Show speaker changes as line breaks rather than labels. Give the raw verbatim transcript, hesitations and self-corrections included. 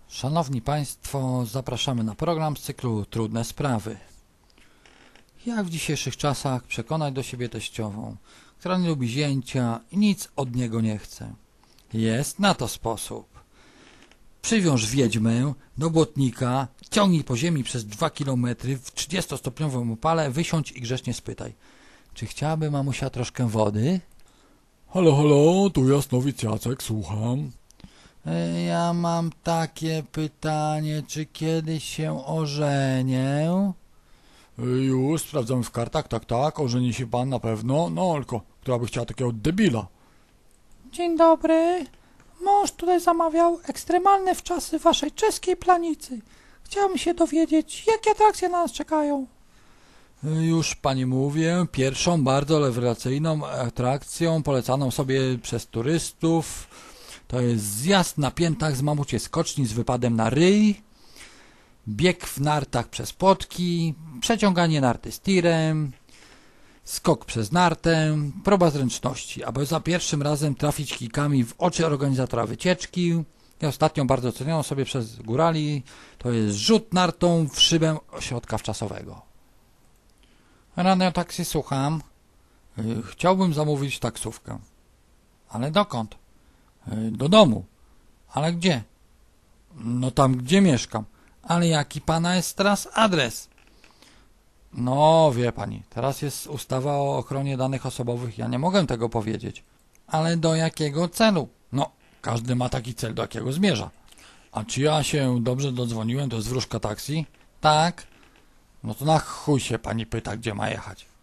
Szanowni Państwo, zapraszamy na program z cyklu Trudne Sprawy. Jak w dzisiejszych czasach przekonać do siebie teściową, która nie lubi zięcia i nic od niego nie chce? Jest na to sposób. Przywiąż wiedźmę do błotnika, ciągnij po ziemi przez dwa kilometry w trzydziestostopniowym upale, wysiądź i grzecznie spytaj: czy chciałaby mamusia troszkę wody?
Halo, halo, tu Jasnowic Jacek, słucham.
Ja mam takie pytanie, czy kiedyś się ożenię?
Już, sprawdzamy w kartach, tak, tak, ożeni się pan na pewno, no tylko, która by chciała takiego debila.
Dzień dobry. Mąż tutaj zamawiał ekstremalne wczasy waszej czeskiej planicy. Chciałbym się dowiedzieć, jakie atrakcje na nas czekają.
Już pani mówię, pierwszą bardzo rewelacyjną atrakcją polecaną sobie przez turystów to jest zjazd na piętach z mamuciej skoczni z wypadem na ryj, bieg w nartach przez płotki, przeciąganie narty z tirem, skok przez nartę, próba zręczności, aby za pierwszym razem trafić kijkami w oczy organizatora wycieczki. I ostatnią bardzo cenioną sobie przez górali to jest rzut nartą w szybę ośrodka wczasowego. Radio taksi, słucham. Chciałbym zamówić taksówkę. Ale dokąd? Do domu. Ale gdzie? No tam, gdzie mieszkam. Ale jaki pana jest teraz adres? No, wie pani, teraz jest ustawa o ochronie danych osobowych, ja nie mogę tego powiedzieć. Ale do jakiego celu? No, każdy ma taki cel, do jakiego zmierza. A czy ja się dobrze dodzwoniłem, to jest wróżka taksi? Tak. No to na chuj się pani pyta, gdzie ma jechać.